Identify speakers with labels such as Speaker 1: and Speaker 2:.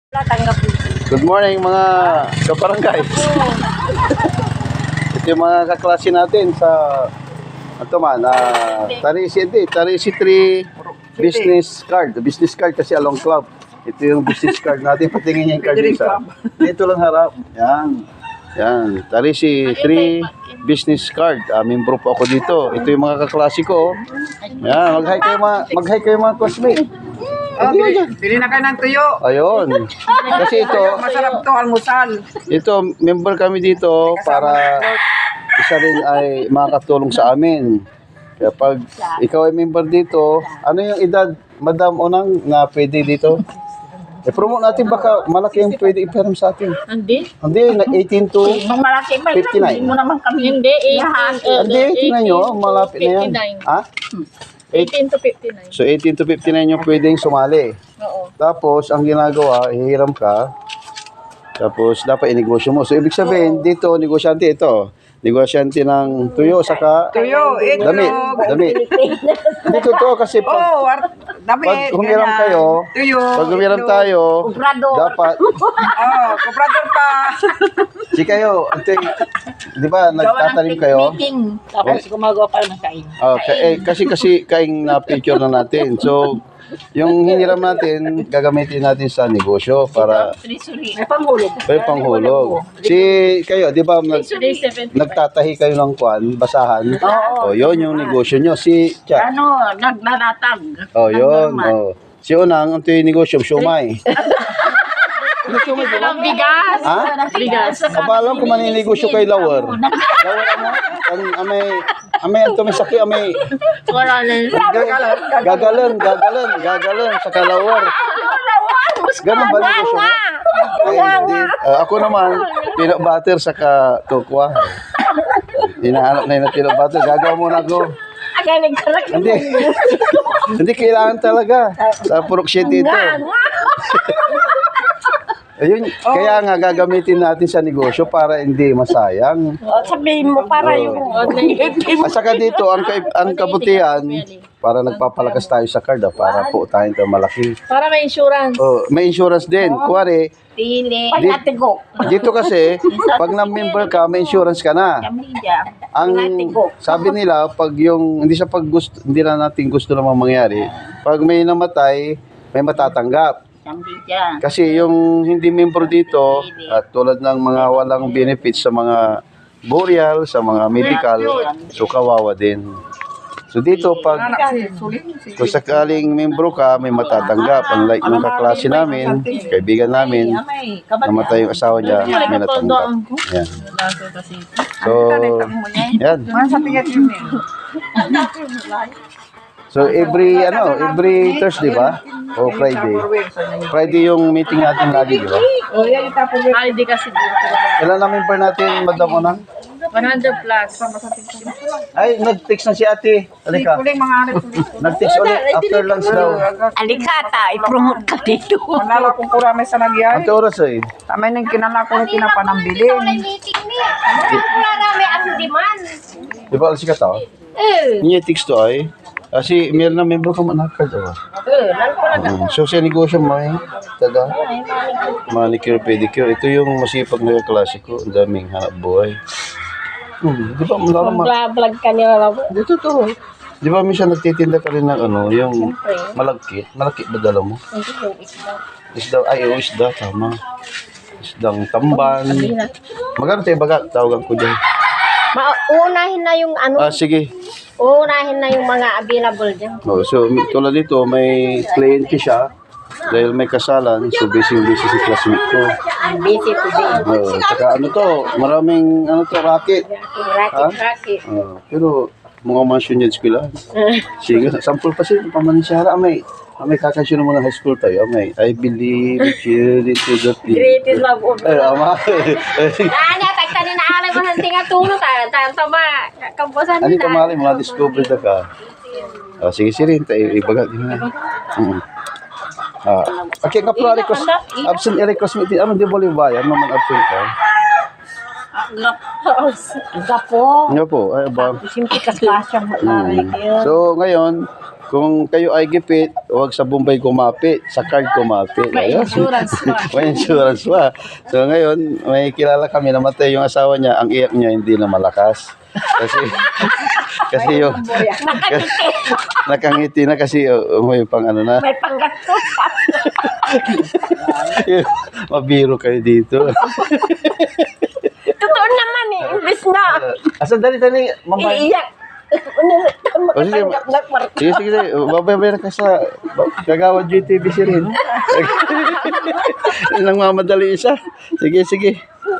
Speaker 1: Good morning mga kabarangay. Ito yung mga kaklase natin sa Tarisi 3 business card kasi along club. Ito yung business card natin. Patingin niya yung card isa. Dito lang harap. Yan. Tarisi 3 business card. Membro po ako dito. Ito yung mga kaklase ko. Yan. Mag-hi kayo mga classmate.
Speaker 2: Bili na kayo ng tuyo.
Speaker 1: Ayun. Kasi ito,
Speaker 2: Masarap to almusal.
Speaker 1: ito, member kami dito para isa rin ay makakatulong sa amin. Kaya pag ikaw ay member dito, ano yung edad, Madam Onang, na pwede dito? I-promote natin, baka malaki yung pwede i-perm sa atin.
Speaker 3: Hindi.
Speaker 1: Hindi, 18 to
Speaker 3: Mang malaki ba?
Speaker 1: 59.
Speaker 3: Hindi mo naman kami. Hindi, 18.
Speaker 1: Hindi, tingnan nyo, malapit na yan.
Speaker 3: 59.
Speaker 1: Ha?
Speaker 3: 18 to 59.
Speaker 1: So 18 to 59 yung pwedeng sumali.
Speaker 3: Oo.
Speaker 1: Tapos, ang ginagawa, hihiram ka. Tapos, dapat inegosyo mo. So, ibig sabihin, dito, negosyante ito. Negosyante ng tuyo, saka
Speaker 2: Tuyo, itlog.
Speaker 1: damit. Dito to, kasi
Speaker 2: Oh, dami.
Speaker 1: pag humiram kayo,
Speaker 2: Tuyo.
Speaker 1: pag humiram tayo, dapat,
Speaker 2: Oh, komprador pa.
Speaker 1: si kayo, ito, di ba, nagtatanim kayo?
Speaker 3: Meeting. Tapos gumagawa pa ng kain.
Speaker 1: Kasi kaing na picture na natin. So, yung hiniram natin, gagamitin natin sa negosyo para
Speaker 3: May panghulog.
Speaker 1: may panghulog. Si kayo, di ba, nagtatahi kayo ng kwan, basahan? O, yun yung negosyo nyo. Si Cha.
Speaker 3: Ano, naglalatag.
Speaker 1: O, yun. O. Si Unang, ito yung negosyo, siomay. Ano siomay, di ba?
Speaker 3: Ang bigas.
Speaker 1: Ha?
Speaker 3: Bigas.
Speaker 1: Kapalang kung maninegosyo kay Lower. Lower ano? Amay, ito may saki, amay.
Speaker 3: Wala na.
Speaker 1: Gagalan sa kalawar. Ganun ba negosyo mo? Ay, hindi. Ako naman, peanut butter sa kokwa. Hinahanap na yung peanut butter. Gagawa muna ako.
Speaker 3: Agaling ka lang.
Speaker 1: Hindi. Hindi kailangan talaga. Sa Purok 7 ito. Ayun, kaya nga gagamitin natin sa negosyo para hindi masayang.
Speaker 3: Sabihin mo para yung
Speaker 1: At saka dito, ang kabutihan, para nagpapalakas tayo sa card, para po tayong malaki.
Speaker 3: para may insurance.
Speaker 1: Oh, may insurance din. Kuwari,
Speaker 3: Pili. Pagkatigo.
Speaker 1: dito kasi, pag na-member ka, may insurance ka na. Ang sabi nila, pag yung, hindi na natin gusto namang mangyari, pag may namatay, may matatanggap. Kasi yung hindi member dito, at tulad ng mga walang benefits sa mga burial, sa mga medical, so kawawa din. So dito, pag kung sakaling membro ka, may matatanggap. Unlike yung kaklase namin, kaibigan namin, namatay yung asawa niya, may natanggap. Yan. So, yan. So every Thursday ba? O Friday? Friday yung meeting natin lagi, di ba?
Speaker 2: Oh, yan yung tapos.
Speaker 3: Hindi kasi
Speaker 1: Ilan na member natin, Madam Onang?
Speaker 3: 100 plus.
Speaker 1: Ay, nag-text na si ate. Halika.
Speaker 2: Kuling mga arit.
Speaker 1: Nag-text ulit after lunch daw.
Speaker 3: Alikata, i-promote ka dito.
Speaker 2: Manala kong kurame sa nagyay.
Speaker 1: Ante oras eh.
Speaker 2: Tamay nang kinala ko rin pinapanambilin.
Speaker 3: Wala namin ang demand.
Speaker 1: Di ba alas ka tao? Niya text to ay. Kasi meron na member ko manakad. So sa negosyo mo eh. Taga. Manicure, pedicure. Ito yung masipag na klase ko. Ang daming hanap buhay. Di ba
Speaker 3: Vlog ka nila lang.
Speaker 1: dito to. Di ba minsan nagtitinda ka rin ng yung malagkit. Malagkit ba dala mo? Isda. Ay, isda. Tama. Isdang tamban. Magkano tayo baga? Tawagan ko dyan.
Speaker 3: Uunahin na yung
Speaker 1: Sige.
Speaker 3: uunahin na yung mga available dyan.
Speaker 1: So, tulad dito, may kliyente siya. Dahil may kasalan, so busy si classmate ko.
Speaker 3: Busy today.
Speaker 1: Saka maraming racket.
Speaker 3: Racket.
Speaker 1: Pero, mga mansion yan sila. Sige, sample pa sila, pamanin siya. May kakasyon mo ng high school tayo. I believe you into the field.
Speaker 3: Greatest love of
Speaker 1: Ay, ama.
Speaker 3: tagtanin na alay mo ng tinga tulog ka. Tama, kampusan
Speaker 1: Ano ka mali, mga discovery na ka. Sige, sirin, tayo ibagat din na. Okay, nga pala, absent request meeting. Ano, di ba libayan? Ano man absent ka?
Speaker 3: Gapo.
Speaker 1: Nga po, ay ba?
Speaker 3: Simple ka klasang
Speaker 1: So, ngayon, Kung kayo ay gipit, huwag sa Bombay kumapit, sa card kumapit.
Speaker 3: May
Speaker 1: Ayun.
Speaker 3: insurance pa.
Speaker 1: May insurance pa. So ngayon, may kilala kami, namatay yung asawa niya, ang iyak niya hindi na malakas. Kasi yung nakangiti na kasi may pang ano na.
Speaker 3: May panggastos pa.
Speaker 1: Mabiro kayo dito.
Speaker 3: Totoo naman eh. Imbis na.
Speaker 1: Asan dali, mamay.
Speaker 3: Iiyak.
Speaker 1: O, sige, sige, sige, sige. Babay na ka sa Kagawad JTBC rin. Nang mamadali isa. Sige, sige.